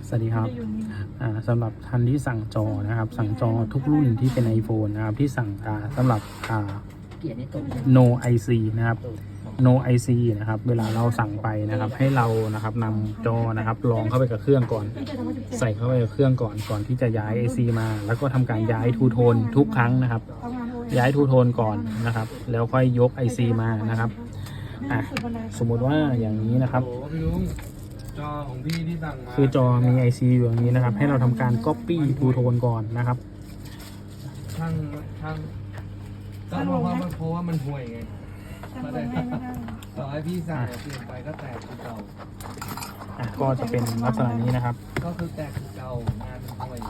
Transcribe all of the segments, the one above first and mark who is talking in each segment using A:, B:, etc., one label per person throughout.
A: สวัสดีครับสำหรับท่านที่สั่งจอนะครับสั่งจอทุกรุ่นที่เป็น iPhone นะครับที่สั่งสำหรับNo IC นะครับ No IC นะครับเวลาเราสั่งไปนะครับให้เรานะครับนำจอนะครับลองเข้าไปกับเครื่องก่อนใส่เข้าไปกับเครื่องก่อนที่จะย้าย IC มาแล้วก็ทำการย้ายทูโทนทุกครั้งนะครับย้ายทูโทนก่อนนะครับแล้วค่อยยก IC มานะครับสมมุติว่าอย่างนี้นะครับ
B: จอของพี่ที่สั่งมา
A: คือจอมี IC อยู่อย่างนี้นะครับให้เราทำการ Copy ทูโทนก่อนนะครับ
B: ช่างก็เพราะว่ามันห่วยไงต่อให้พี่สั่งเปลี่ยนไปก็แตกคือเก่า
A: ก็จะเป็นลักษณะนี้นะครับ
B: ก็คือแตกคือเก่างานห่วย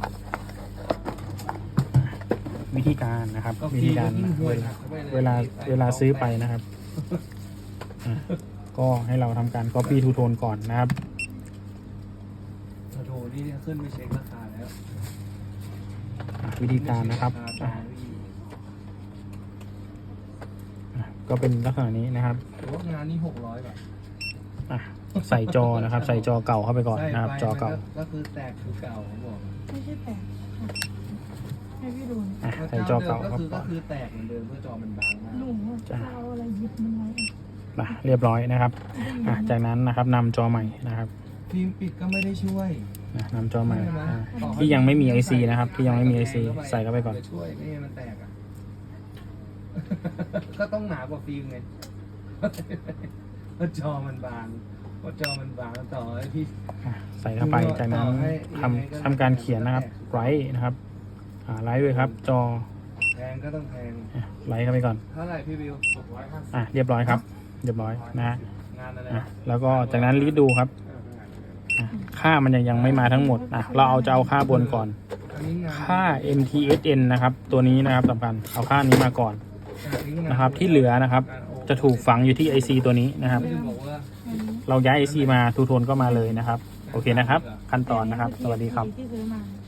A: วิธีการนะครับวิธีการเวลาซื้อไปนะครับก็ให้เราทำการ Copy ทูโทนก่อนนะครับ
B: โทรนี่ขึ้นไปเช็คราคาแล้ว
A: วิธีการนะครับก็เป็นลักษณะนี้นะครับ
B: แต่ว่างานนี้600 บาท
A: ใส่จอนะครับใส่จอเก่าเข้าไปก่อนนะครับจอเก่า
B: ก็คือแตกคือเก่าผมบอก
C: ไม่ใช่แตกให้พี่ดู
A: ใส่จอเก่าครับ
B: ก็คือแตกเหมือนเดิมเพื่อจอมันบางมาก
C: หนูจะเอาอะไรยึดมันไว้
A: เรียบร้อยนะครับจากนั้นนะครับนำจอใหม่นะครับ
B: ฟิล์มปิดก็ไม่ได้ช่วย
A: นำจอใหม่ที่ยังไม่มี IC นะครับที่ยังไม่มี IC ใส่เข้าไปก่อน
B: ช่วยไม่ให้มันแตกก็ต้องหนากว่าฟิล์มไงเพราะจอมันบางต่อให้พี่
A: ใส่เข้าไปจากนั้นทำการเขียนนะครับไลท์นะครับไลท์ด้วยครับจอ
B: แพงก็ต้องแพง
A: ไลท์เข้าไปก่อน
B: เท่าไหร่พี่บิว
A: เรียบร้อยครับเรียบร้อยนะฮะแล้วก็จากนั้นรีดดูครับค่ามันยังไม่มาทั้งหมดเราจะเอาค่าบนก่อนค่า MTSN นะครับตัวนี้นะครับสำคัญเอาค่านี้มาก่อนนะครับที่เหลือนะครับจะถูกฝังอยู่ที่ IC ตัวนี้นะครับเราย้าย IC มาทูโทนก็มาเลยนะครับโอเคนะครับขั้นตอนนะครับสวัสดีครับ